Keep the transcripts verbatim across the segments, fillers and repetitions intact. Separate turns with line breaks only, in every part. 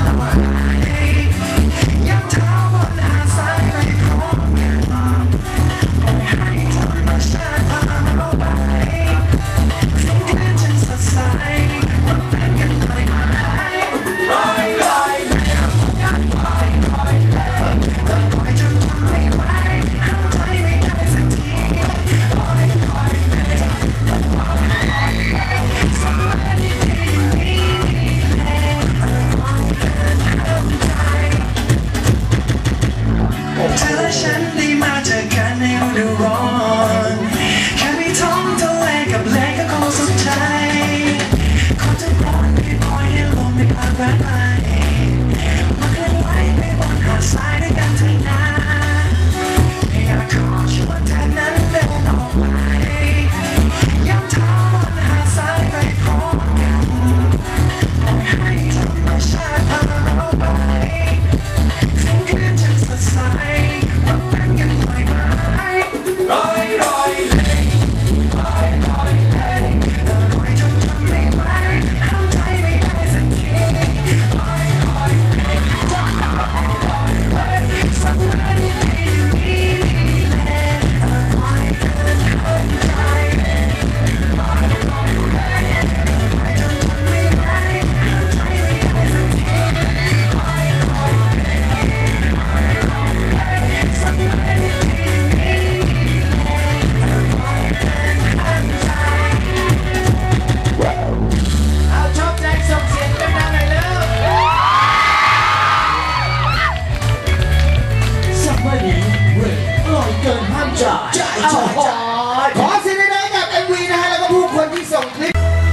ขอเสียงดังๆกับ เอ็ม วี นะฮะแล้วก็ผู้คนที่ส่งคลิป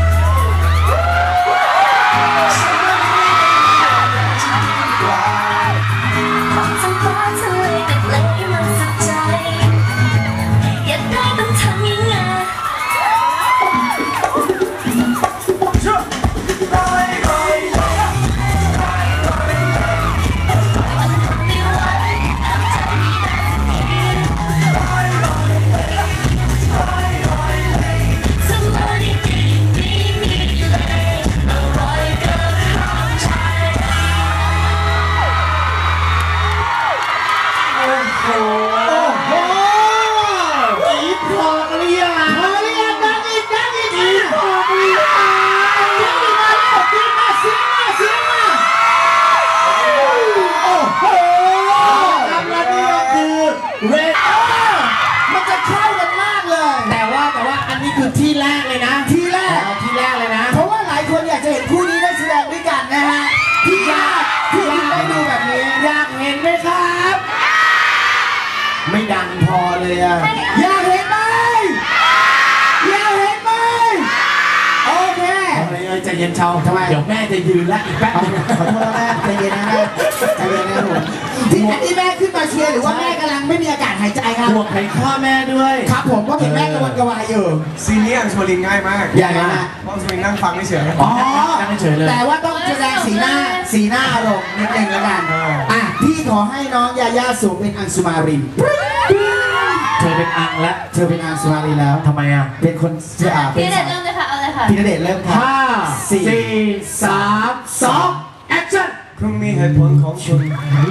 ที่แรกเลยนะที่แรกที่แรกเลยนะเพราะว่าหลายคนอยากจะเห็นคู่นี้ได้แสดงด้วยกันนะฮะที่อยากที่อยากได้ดูแบบนี้อยากเห็นไหมครับไม่ดังพอเลยอะอยากเห็นไหมอยากเห็นไหมโอเคใจเย็นเชาทำไมเดี๋ยวแม่จะยืนแล้วอีกแป๊บนึงขอโทษแม่ใจเย็นนะแม่ใจเย็นนะผมที่อันนี้แม่ขึ้นมาเชียร์หรือว่าแม่กำลังไม่มีอากาศหายใจครับห่วงไข้ข้อแม่ด้วยครับผมก็เห็นแม่กระวนกระวายอยู่
ซีนี้อังสมารินง่ายมาก
อย่างไรนะ
เพราะอังสมารินนั่งฟังเฉย
อ๋อนั่งเฉยเลยแต่ว่าต้องแสดงสีหน้าสีหน้าอารมณ์นิดนึงแล้วกันอ่ะพี่ขอให้น้องยาย่าสวมเป็นอังสุมารินเธอเป็นอังและเธอเป็นอังสุมารินแล้วทำไมอ่ะเป็นคนอ่า
พี่ณเดชน์เริ่มเลยค่ะเอาเลยค่ะ
พี่ณเดชน์เริ่มค่ะห้าสี่สามสองแอคชั่น
คุณมีเหตุผลของคุณ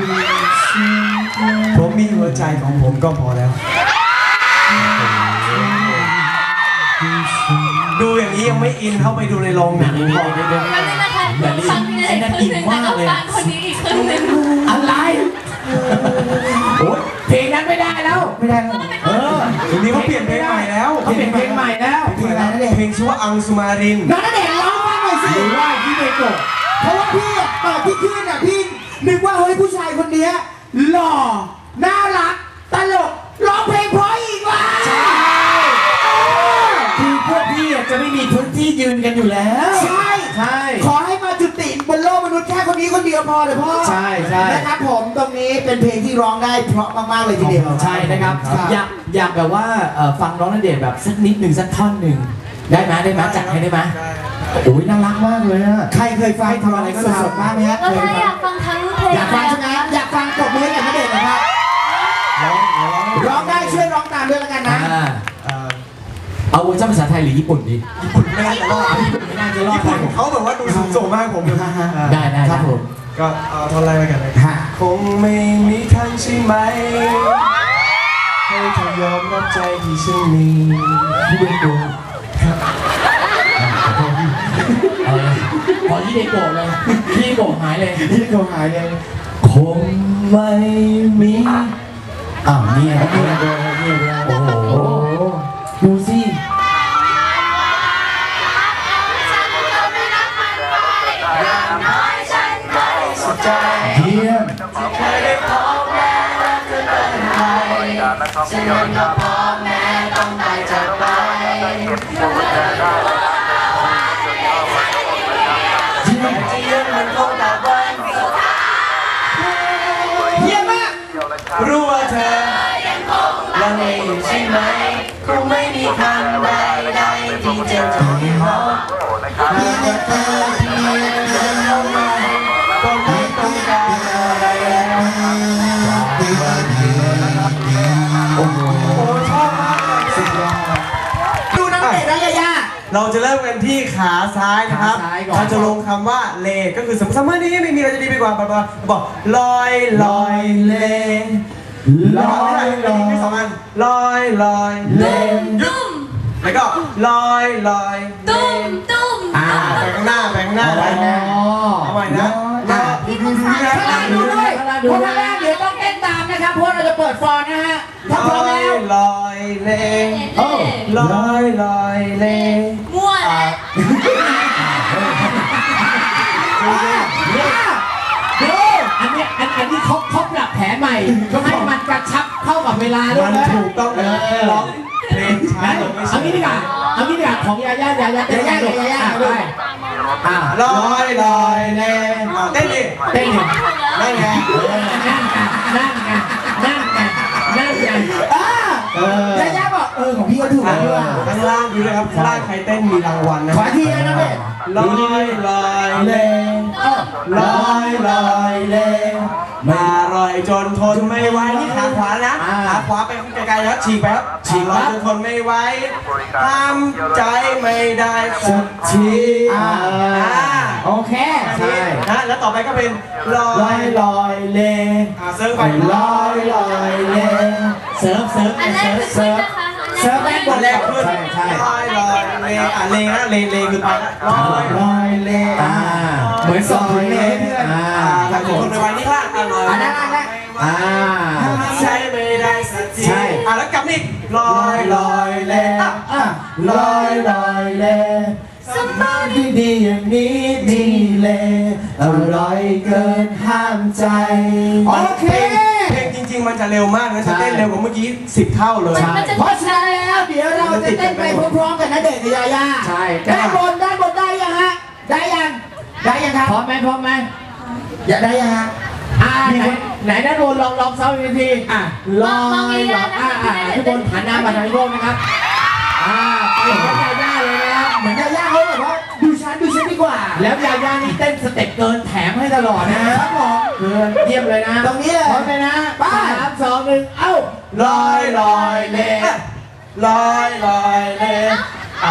ผมมีหัวใจของผมก็พอแล้วดูอย่างนี้ยังไม่อินเข้าไปดูในโรงหนัง
นี่นี่นี่นี่นี่นะคะฟังพี่ณเดชน์คนหนึ่งแล้วก็ฟังคนนี้อีกคนหนึ่ง
อะไรโอ้ยเพลงนั้นไม่ได้แล้วไม่ได้แล้วเออ
ทีนี้เขาเปลี่ยนเพลงใหม่แล้ว
เขาเปลี่ยนเพลงใหม่แล้ว
เพลงอะไรนั่นเองเพลงชื่อว่าอังสุมาริน
น้องณเดชน์ร้องฟังหน่อยสิหรือว่าพี่เมโกะเพราะว่าพี่ตอนที่ขึ้นอ่ะพี่นึกว่าเฮ้ยผู้ชายคนนี้หล่อน่ารักตลกร้องเพลงเพราะอีกว่ะใช่คือพวกพี่จะไม่มีพื้นที่ยืนกันอยู่แล้วใช่ใช่ขอให้มาจุติบนโลกมนุษย์แค่คนนี้คนเดียวพอเลยพ่อใช่ใช่นะครับผมตรงนี้เป็นเพลงที่ร้องได้เพราะมากๆเลยทีเดียวใช่นะครับอยากอยากแบบว่าฟังน้องณเดชน์แบบสักนิดหนึ่งสักท่อนหนึ่งได้ไหมได้ไหมจัดให้ได้ไหมโอ้ยน่ารักมากเลยอะใครเคยฟังทำอะไรก็สดๆมากไหมฮะ
เราอยากฟังทั้งเพลง
อยากฟังใช่ไหมอยากฟังตบมือกับณเดชน์นะครับร้องได้ช่วยร้องตามด้วยแล้วกันนะเอาเวอร์ชันภาษาไทยหรือญี่ปุ่นดี
ญี่ปุ่นไม่น่าจะรอดญี่ปุ่นไม่น่าจะรอดญี่ปุ่นเขาแบบว่าดูสูงส่งมากผม
ได้ได้ครับผม
ก็เอาท่อนแรกไปกันเลย
ฮะ
คงไม่มีทางใช่ไหมให้เธอยอมรับใจที่ฉันมี
พี่เด็กโกะ
เอาเลยพอที่เด็กโกรธเลยพี่โกรธหายเลย
พี่เด็กโกะหายเลย
คงไม่มี
อ้าวเนี่ยเนี่ยเนี่ยโอ้โหดูสิ
สุดใจ
เยี่ยม
เคยได้พบแม้รักเธอเป็นใครฉันยังก็พบแม้ต้องได้จากไป จะยืนมันคงแต่วันสุดท้าย
เยี่ยมมาก
รู้ว่าเธอลังเลอยู่ใช่ไหมคงไม่มีคำใดใดๆที่จะทำให้เขาหากว่าเธอที่มีเธอเข้ามาก็ไม่ต้องการอะไรแล้วโอ้โหชอบมากเลยสุดยอด
ดูน้ำเตะนะยาย่า
เราจะเริ่มกันที่ขาซ้ายนะครับ
ขาซ้ายก่อน
เราจะลงคำว่าเลก็คือสมมติสมมตินี้ไม่มีอะไรจะดีไปกว่าบอกบอกลอยลอยเลลอยลอยสองอันลอยลอยเลหยุดแล้วก็ลอยลอยเล
ตุ้มตุ้ม
อ่า
ไปข้างหน้าไปข้างหน้าไปข้างหน้าเอาใหม่นะ
อ่ะดูดูดูนะข้างล่างดูด้วยเพราะข้างล่างเดี๋ยวต้องเต้นตามนะครับเพราะเราจะเปิดฟอนนะฮะถ้าพร้อมแล้ว
ลอยเล
เล่เล่
ลอยลอยเล
มั่วแล้ว
ดู
อันเนี้ยอันอันนี้เขาเขาปรับแผนใหม่ให้มันกระชับเข้ากับเวลาด้วย
มัน
นะ
ถูกต้องเลยร้องเพลงช้า
งั้น
ลงไม่
เอางี้ดีกว่าเอางี้ดีกว่าของยาย่ายาย่าเต้นยาย่ายาย่าไปอ่า
ลอยลอยเลเต้นดิ
เต้นหนึ่ง
นั่นไง
นั่นไงนั่นไงนั่นไงนั่นไง
อ่ายาย่าบอกเออของพี่ก็ถูกแล้วด้วย
ข้างล่างดูเลยครับข้างล่างใครเต้นมีรางวัลนะ
ขอทีนะนะเด็ก
ลอยลอยเลลอยลอยเลมาลอยจนทนไม่ไหวนี่ขาขวานะขาขวาไปไกลๆแล้วฉีกไปครับฉีกลอยจนทนไม่ไหวห้ามใจไม่ได้สักที
อ่าโอเค
ใช่นะแล้วต่อไปก็เป็นลอ
ลอย ยลอยเล
อ่าเซิร์ฟไป
ลอยลอยเล
เซิร์ฟเซิร์ฟ
อันแรกคือขึ้นนะคะ
เซิร์ฟแรกบ
อั
น
นแรกขึ้น
ใช่ใช่
ลอยลอยเลอ่ะเลนะเลเลคือไปละลอย
ลอยเล
อ่าเหมือนส่งถึงเลยเพื่อน
อ่า
อ่าถ้าคนไปไว้นี่ล่ะอ่ะลอย
อันนั้นอันนั้นอ่า
ใช่ไม่ได้สักที
ใช่
อ่ะแล้วกลับนี่ลอยลอยเล
อ่ะลอยลอยเลสมองดีๆอย่างนี้ดีเลยอร่อยเกินห้ามใจโอเค
เพลงจริงๆมันจะเร็วมากนะจะเต้นเร็วกว่าเมื่อกี้สิบเท่าเลย
มันจะ
เพราะฉะนั้นแล้วเดี๋ยวเราจะเต้นไปพร้อมๆกันนะเด็กกับยาย่า
ใช่
ด้านบนด้านบนได้ยังฮะได้ยังได้ยังครับ
พร้อมไหมพร้อมไหม
อย่าได้ยังฮะ
อ่าไหนไหนด้านบนลองลองซ้อมอีกทีอ่ะลองลองอ่าอ่าทุกคนหันหน้ามาทางโลกนะครับอ่าไปเหมือนยาย่าเลยนะครับ
เหมือนยาย่าเขาแบบว่าดูฉันดูฉันดีกว่า
แล้วยาย่านี่เต้นสเต็ปเกินแถมให้ตลอดนะครับ
ผม
เกินเยี่ยมเลยนะ
ตรงนี้เลย
พร้อมเลยนะ
ไป
สามสองหนึ่งเอ้า
ลอยลอยเลลอยลอยเลอ่า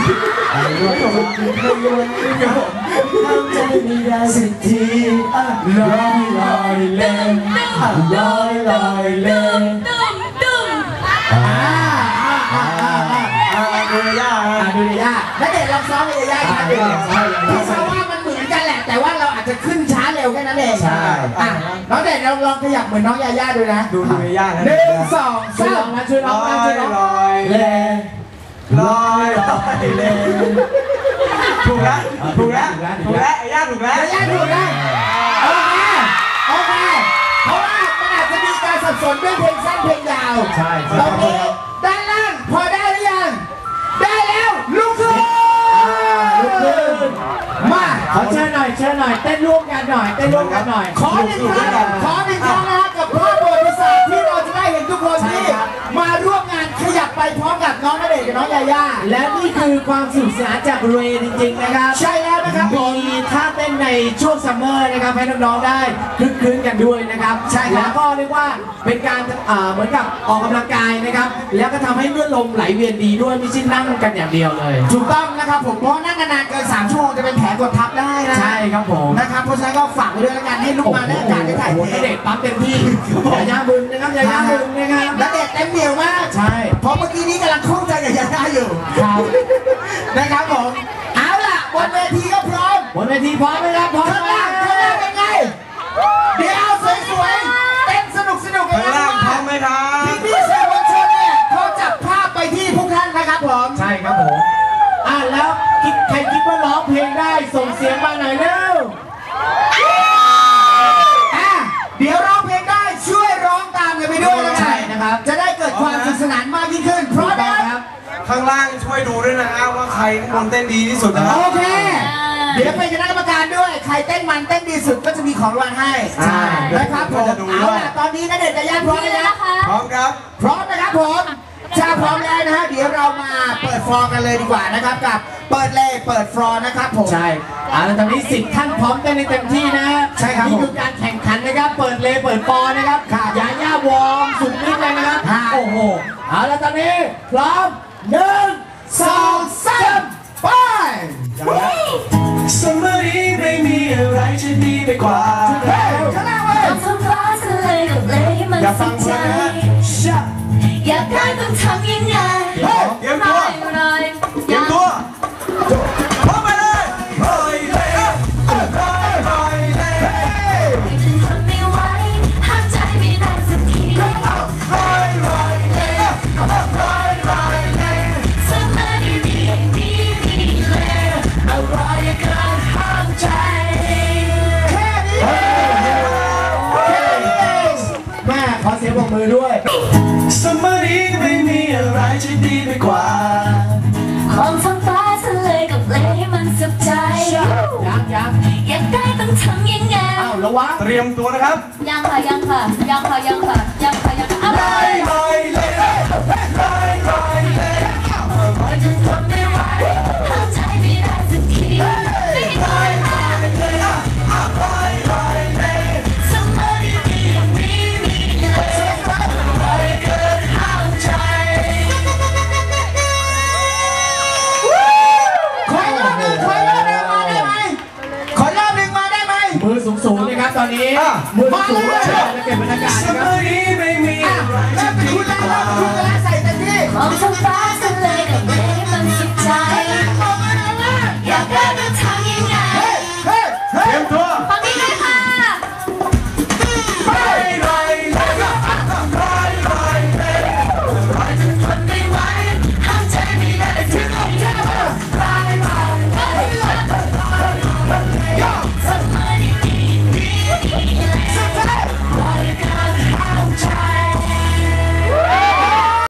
ทำใจไม่ได้สักทีลอยลอยเลนลอยลอยเลน
ตุ้มตุ้ม
อ่าอ่าอ่าอ่าอ่า
อ่าดูยาก
อ่า
นะ
ดูยาย่าแล้วเด็กลองซ้อมยาย่าครับเด็กพี่ซ้อมว่ามันเหมือนกันแหละ แต่ว่าเราอาจจะขึ้นช้าเร็วแค่นั้นเอง
ใช่
อ่ะน้องเด็กเราลองขยับเหมือนน้องยาย่าดูนะ
ดูดูยากนะ
หนึ่งสอง
ช่วย
สา
ลอ
ม
งนะช่วยล
ล
อง
อ
นะช่วย ยลอง
ลอยเลลอยลอยเลถูกแล้วถูกแล้วถูกแล้วไอ้ย่าถูกแล้ว
ยาย่าถูกนะโอเคโอเคเพราะว่ามันอาจจะมีการสับสนด้วยเพลงสั้นเพลงยาว
ใช่
ตรงนี้ด้านล่างพอได้หรือยัง ได้แล้วลุกขึ้น
ลุกขึ้น
มา
ขอเชิญหน่อยเชิญหน่อยเต้นร่วมกันหน่อยเต้นร่วมกันหน่อย
ขอหนึ่งครั้งขอหนึ่งครั้งนะกับภาพประวัติศาสตร์ที่เราจะได้เห็นทุกคนที่มาร่วมงานขยับไปพร้อมกับน้องณเดชน์กับน้องยาย่า
และนี่คือความสนุกสนานจากเรย์จริงๆนะครับ
ใช่แล้วนะครับผม
มีท่าเต้นในช่วงซัมเมอร์นะครับให้น้องๆได้คลึกคลื้นกันด้วยนะครับ
ใช่ครับ
แล้วก็เรียกว่าเป็นการอ่าเหมือนกับออกกำลังกายนะครับ แล้วก็ทำให้เลือดลมไหลเวียนดีด้วยไม่ใช่นั่งกันอย่างเดียวเลย
ถูกต้องนะครับผมเพราะนั่งนานๆเกินสามชั่วโมงจะเป็นแผลกดทับได้นะ
ใช่ครับผม
นะครับเพราะฉะนั้นก็ฝากไว้ด้วยแล้วกันให้ลูกมาได้การได้ถ่าย
โอ้โห
เท
ณเดชน์ปั๊มเต็มที่ยาย่าบึงนะครับยาย่าบึงนะครับ
ณเดชน์เต็มเหนียวมาก
ใช่
เพราะเมื่อกี้นี้กำลังคล่องใจกับยาย่าอยู่
ครับ
นะครับผมเอาล่ะบนเวทีก็พร้อม
บนเวทีพร้อมไหมครับพร้อม
ข้าง
ไหม
ล่างข้างล่างเป็นไงเดี๋ยวสวยๆเต้นสนุกสนุกๆ
ข้างล่างพร้อมไหมครับ
พี่พี่ๆสื่อมวลชนเนี่ยเขาจับภาพไปที่พวกท่านนะครับผม
ใช่ครับผมอ่ะแล้วคิดใครคิดว่าร้องเพลงได้ส่งเสียงมาหน่อยเร็ว
อ่ะเดี๋ยวร้องเพลงได้ช่วยร้องตามกันไปด้วยนะ
ใช่นะครับ
จะได้เกิดความสนุกสนานมากยิ่งขึ้นเพราะ
ต้อ
นะ
งครับ
ข้างล่างช่วยดูด้วยนะฮะว่าใครข้างบนเต้นดีที่สุดนะครับ
โอเค เดี๋ยวเป็นคณะกรรมการด้วย ใครเต้นมันเต้นดีสุดก็จะมีของรางวัลให้
ใช่
นะครับผม
จะดูด้วย
เอาล่ะตอนนี้ณเดชน์กับย่าพร้อม
นี่
ไหม
เลย
ครับ
นะคะ
พร้อมครับ
พร้อมนะครับผมถ้าพร้อมแล้วนะฮะเดี๋ยวเรามาเปิดฟลอร์กันเลยดีกว่านะครับกับเปิดเลยเปิดฟลอร์นะครับผม
ใช่อ่าแล้วตอนนี้สิบท่านพร้อมเต้นในเต็มที่นะ
ใช่ครับ
นี่
ผม
คือการแข่งขันนะครับ เปิดเลเปิดปอนะครับ
ครับ
ยาย่าวอร์มสุดฤทธิ์เลยนะครับ
ครับ
โอ้โหเอาแล้วตอนนี้พร้อมหนึ่งส
ส
อ
อง ง
สา
สาม มไป
สมัยนี้ไม่มีอะไรจะดีไปกว่า
เฮ้ยข้างหน้าเว้ย
ต้องทำฟ้าทะเลกับเลยให้มัน
อย่าฟั
สุ
ง
ข
เพ
ใจ
ลินนะฮะ
อยากได้ต้องทำยังไง
เฮ้ยเตรียมตัว
รอย
เตรียมตัวพร้อมไปเลยเฮ้ยเฮ้ยเฮ้ยเฮ้ยเฮ้ยเฮ้ย
ฉันทนไม่ไหวห้ามใจไม่ได้สักทีสมัยนี้ดีดีเลยอะไรกันห้ามใจ
แค่นี้เองแค่นี้เอง
แม่ขอเสียงปรบมือด้วย
สมัยนี้ไม่มีอะไรจะดีไปกว่า
ความท้องฟ้าทะเลกับเลยให้มันสุขใจ
ยังยัง
อยากได้ต้องทำยังไง
อ้าวระวัง
เตรียมตัวนะครับ
ยังค่ะยังค่ะยังค่ะยังค่ะยังค่ะยังค่ะอะไร
เฮ้ยเฮ้ยเฮ้ยเฮ้ยเฮ้ยเฮ้ย
ฉันทนไม่ไหวห้ามใจไม่ได้สักทีไม่ให้คอยมาสมัยนี้มีมีเลยอะไรเกินห้ามใจ
ขออีกรอบหนึ่งขออีกรอบหนึ่งมาได้ไหมขออีกรอบหนึ่งมาได้ไหม
มือสูงสูงๆนะครับตอนนี้
อ่ะ
มือสูงๆเชิญจะเก็บบรรยากาศ
ส
นะครับ
มัยนี้ไม่มี
อ่ะ
อะไร
เริ่
จะ
มเป็น
ดี
คุณ
ไป
แล้ว
กว่า
เริ่มเป็นคุณแล้วใส่เต็มที่
มองท้องฟ้าทะเลกับเลย